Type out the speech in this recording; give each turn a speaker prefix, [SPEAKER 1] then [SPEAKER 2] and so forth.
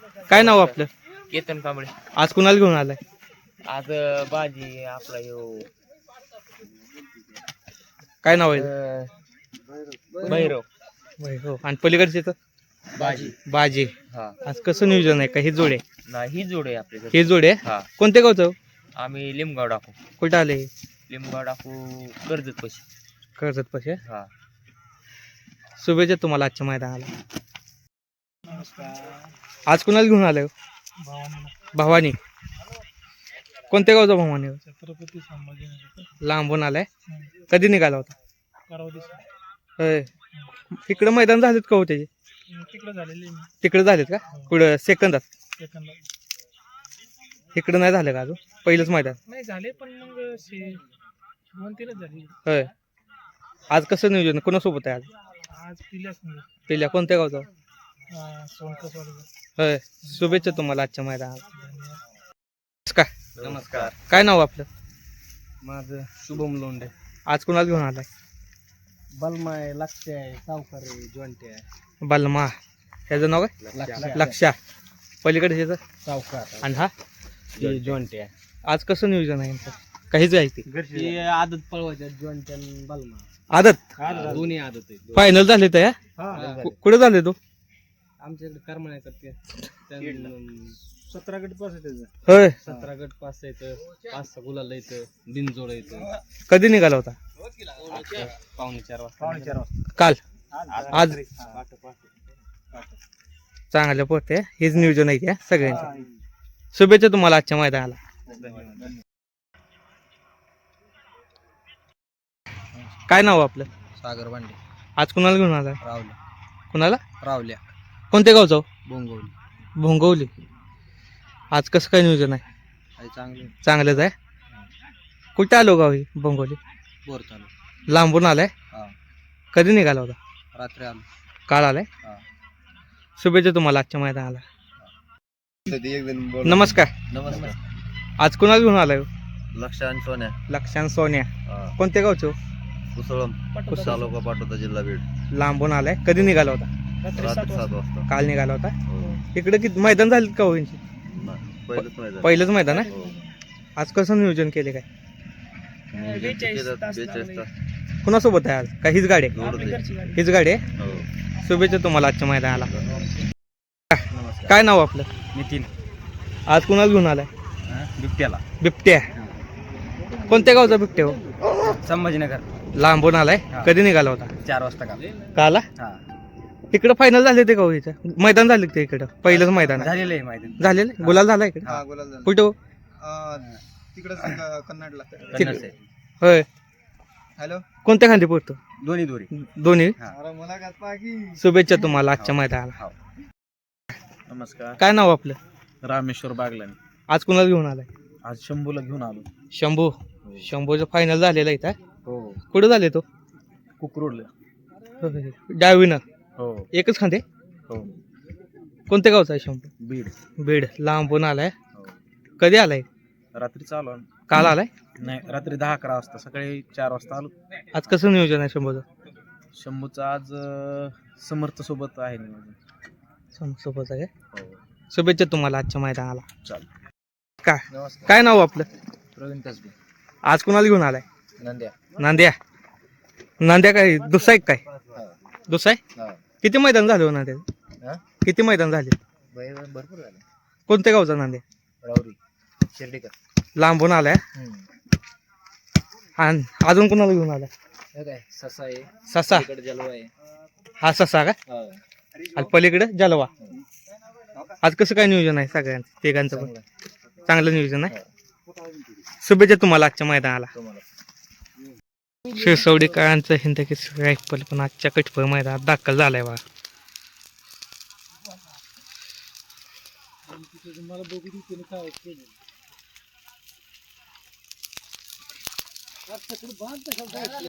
[SPEAKER 1] काय नाव आपलं?
[SPEAKER 2] केतन कांबळे.
[SPEAKER 1] आज कुणाला घेऊन आलाय?
[SPEAKER 2] आज बाजी आपला यो
[SPEAKER 1] काय नाव आहे?
[SPEAKER 2] भैरव.
[SPEAKER 1] हो. आणि पलीकडचे तर
[SPEAKER 2] बाजी.
[SPEAKER 1] बाजी.
[SPEAKER 2] हा
[SPEAKER 1] आज कसं नियोजन आहे? का हे जोडे?
[SPEAKER 2] नाही ही जोड आहे आपल्या
[SPEAKER 1] हे जोडे?
[SPEAKER 2] हा.
[SPEAKER 1] कोणत्या गावचं?
[SPEAKER 2] आम्ही लिमगाव टाकू.
[SPEAKER 1] कुठं आले?
[SPEAKER 2] लिमगाव टाकू कर्जत पशी.
[SPEAKER 1] कर्जत पाशी.
[SPEAKER 2] हा.
[SPEAKER 1] शुभेच्छा तुम्हाला आजच्या मैदानाला. आज कुणाला घेऊन आलाय? भवानी. कोणत्या गावचा भवानी?
[SPEAKER 3] छत्रपती संभाजीनगर.
[SPEAKER 1] लांबून आलाय. कधी निघाला होता?
[SPEAKER 3] परवा दिवशी
[SPEAKER 1] होय. इकडं मैदान झालेत का हो त्याचे?
[SPEAKER 3] तिकडे झालेली मी
[SPEAKER 1] तिकडे झालेत का? कुठं सेकंदात?
[SPEAKER 3] सेकंद
[SPEAKER 1] इकडं नाही झालं का अजून? पहिलंच मैदान.
[SPEAKER 3] नाही झाले पण मग 2-3च झाली.
[SPEAKER 1] होय. आज कसं नियोजन? कोणासोबत आहे आज?
[SPEAKER 3] आज पिल्याच नाही
[SPEAKER 1] पहिल्या कोणत्या गावचा?
[SPEAKER 3] सोनकसवाडीचा.
[SPEAKER 1] होय. शुभेच्छा तुम्हाला आजच्या मैदानाला.
[SPEAKER 3] धन्यवाद.
[SPEAKER 2] नमस्कार.
[SPEAKER 1] काय नाव आपलं?
[SPEAKER 2] माझं शुभम लोंढे.
[SPEAKER 1] आज कुणाला घेऊन आलाय?
[SPEAKER 2] बलमा आहे, लक्ष आहे, सावकार आहे, जॉइंट आहे.
[SPEAKER 1] बलमा. ह्याचं नाव काय? लक्षा. पलीकडे ह्याचं?
[SPEAKER 2] सावकार
[SPEAKER 1] आणि हा?
[SPEAKER 2] जॉइंट आहे.
[SPEAKER 1] आज कसं नियोजन आहे यांचं? काहीच आहे ते
[SPEAKER 2] ही आदत पळवायच्या जॉइंट आणि बलमा.
[SPEAKER 1] आदत
[SPEAKER 2] दोन्ही आदत आहे.
[SPEAKER 1] फायनल झाले तर कुठे झाले तो?
[SPEAKER 2] आमच्याकडे करमाळ्या करते.
[SPEAKER 3] 17 गट पास आहे त्याचं.
[SPEAKER 1] होय.
[SPEAKER 2] 17 गट पास येतं, 5-6 गुलाल येतं, बिनजोड येतं.
[SPEAKER 1] कधी निघाला होता?
[SPEAKER 2] 4:45 वाजता.
[SPEAKER 1] काल. आज चांगलं पोहते. हेच नियोजन आहे त्या सगळ्यांचं. शुभेच्छा तुम्हाला आजच्या मैदानाला. काय नाव आपलं?
[SPEAKER 2] सागर भांडे.
[SPEAKER 1] आज कुणाला घेऊन आलाय?
[SPEAKER 2] रावल्या.
[SPEAKER 1] कुणाला?
[SPEAKER 2] रावल्या.
[SPEAKER 1] कोणत्या गावचं?
[SPEAKER 2] बोंगवली.
[SPEAKER 1] भोंगवली. आज कसं काय नियोजन आहे?
[SPEAKER 2] आहे चांगले.
[SPEAKER 1] चांगलंच आहे. कुठे आलो गाव ही भोंगवली?
[SPEAKER 2] बोर चालू.
[SPEAKER 1] लांबून आलाय.
[SPEAKER 2] हा.
[SPEAKER 1] कधी निघाला होता?
[SPEAKER 2] रात्री आलो.
[SPEAKER 1] काल आलाय.
[SPEAKER 2] हा.
[SPEAKER 1] शुभेच्छा तुम्हाला आजच्या मैदानाला. नमस्कार.
[SPEAKER 2] नमस्कार.
[SPEAKER 1] आज कुणाला घेऊन आलाय?
[SPEAKER 2] लक्ष आणि सोन्या.
[SPEAKER 1] लक्षांत सोन्या. कोणत्या गावचं?
[SPEAKER 2] कुसळम. तालुका पाटोदा, जिल्हा बीड.
[SPEAKER 1] लांबून आलाय. कधी निघाला होता?
[SPEAKER 3] रात्री
[SPEAKER 2] रात्री
[SPEAKER 3] 7
[SPEAKER 2] 7 वाजता.
[SPEAKER 1] काल निघाला होता.
[SPEAKER 2] हो.
[SPEAKER 1] इकडे किती मैदान झाले का हो यांची?
[SPEAKER 2] पहिलंच मैदान.
[SPEAKER 1] पहिलंच मैदान आहे.
[SPEAKER 2] हो.
[SPEAKER 1] आज कसं नियोजन केले काय?
[SPEAKER 3] 42 तास
[SPEAKER 2] 42 तास.
[SPEAKER 1] कुणासोबत आहे आज? का हीच गाडी आहे?
[SPEAKER 3] आपली घरची गाडी.
[SPEAKER 1] हीच गाडी आहे.
[SPEAKER 2] हो.
[SPEAKER 1] शुभेच्छा तुम्हाला आजच्या मैदानाला.
[SPEAKER 2] नमस्कार.
[SPEAKER 1] काय नाव आपलं?
[SPEAKER 2] नितीन.
[SPEAKER 1] आज कुणाला घेऊन आलाय?
[SPEAKER 2] बिबट्याला.
[SPEAKER 1] बिबट्या. कोणत्या गावचा बिबट्या हो?
[SPEAKER 2] संभाजीनगर.
[SPEAKER 1] लांबून आलाय.
[SPEAKER 2] हा.
[SPEAKER 1] कधी निघाला होता?
[SPEAKER 2] 4 वाजता का.
[SPEAKER 1] काला.
[SPEAKER 2] हा.
[SPEAKER 1] इकडं फायनल झाले ते का हो इथं? मैदान झाले ते इकडं? पहिलंच मैदान आहे.
[SPEAKER 2] झालेलं आहे माहिती.
[SPEAKER 1] झालेलं? गुलाल झाला इकडे?
[SPEAKER 2] हा, गुलाल झाला.
[SPEAKER 1] कुठं हो?
[SPEAKER 3] तिकडे कन्नडला.
[SPEAKER 2] कन्नड साईड.
[SPEAKER 1] होय.
[SPEAKER 3] हॅलो.
[SPEAKER 1] कोणत्या खांदी पोहतो?
[SPEAKER 2] दोन्ही दोरी.
[SPEAKER 1] दोन्ही.
[SPEAKER 3] अरे मला की
[SPEAKER 1] शुभेच्छा तुम्हाला आजच्या मैदानाला.
[SPEAKER 2] नमस्कार.
[SPEAKER 1] काय नाव आपलं?
[SPEAKER 2] रामेश्वर बागलानी.
[SPEAKER 1] आज कुणाला घेऊन आलाय?
[SPEAKER 2] आज शंभूला घेऊन आलो.
[SPEAKER 1] शंभू. शंभूचं फायनल झालेलं आहे इथं.
[SPEAKER 2] हो.
[SPEAKER 1] कुठं झाले तो?
[SPEAKER 2] कुकरोडला.
[SPEAKER 1] डावीनं.
[SPEAKER 2] हो.
[SPEAKER 1] एकच खांदे.
[SPEAKER 2] हो.
[SPEAKER 1] कोणत्या गावचा आहे शंभू?
[SPEAKER 2] बीड.
[SPEAKER 1] बीड. लांबून आलाय.
[SPEAKER 2] हो.
[SPEAKER 1] कधी आलाय?
[SPEAKER 2] रात्री चालू.
[SPEAKER 1] काल आलाय.
[SPEAKER 2] नाही, रात्री 10-11 वाजता. सकाळी 4 वाजता आलो.
[SPEAKER 1] आज कसं नियोजन आहे शंभूचं?
[SPEAKER 2] शंभूचं आज समर्थ सोबत आहे नियोजन.
[SPEAKER 1] सोबत आहे.
[SPEAKER 2] हो.
[SPEAKER 1] शुभेच्छा तुम्हाला आजच्या मैदानाला.
[SPEAKER 2] चाल.
[SPEAKER 1] काय
[SPEAKER 2] नमस्कार.
[SPEAKER 1] काय नाव आपलं?
[SPEAKER 2] प्रवीण कसबे.
[SPEAKER 1] आज कुणाला घेऊन आलाय?
[SPEAKER 2] नंद्या.
[SPEAKER 1] नांद्या. नांद्या काय दुसरा एक काय? दुसरा आहे?
[SPEAKER 2] हा.
[SPEAKER 1] किती मैदान झाले हो नांद्या?
[SPEAKER 2] हा?
[SPEAKER 1] किती मैदान झाले?
[SPEAKER 2] भरपूर झाले.
[SPEAKER 1] कोणत्या गावचा नांद्या?
[SPEAKER 2] राऊरी. शिर्डीकर.
[SPEAKER 1] लांबून आलाय. आणि अजून कुणाला घेऊन आलाय?
[SPEAKER 2] हे काय ससा आहे.
[SPEAKER 1] ससा.
[SPEAKER 2] इकडे जलवा आहे.
[SPEAKER 1] हा ससा का?
[SPEAKER 2] हा.
[SPEAKER 1] आणि पलीकडे जलवा. आज कसं काय नियोजन आहे सगळ्यांचं तिघांचं पण? चांगलं नियोजन आहे. शुभेच्छा तुम्हाला आजच्या मैदानाला.
[SPEAKER 2] तुम्हाला.
[SPEAKER 1] शिरसवडीकरांचं हिंदकी रायफल पण आजच्या कटफळ मैदानात दाखल झालाय बा.
[SPEAKER 3] मला बघू दे काय केलं.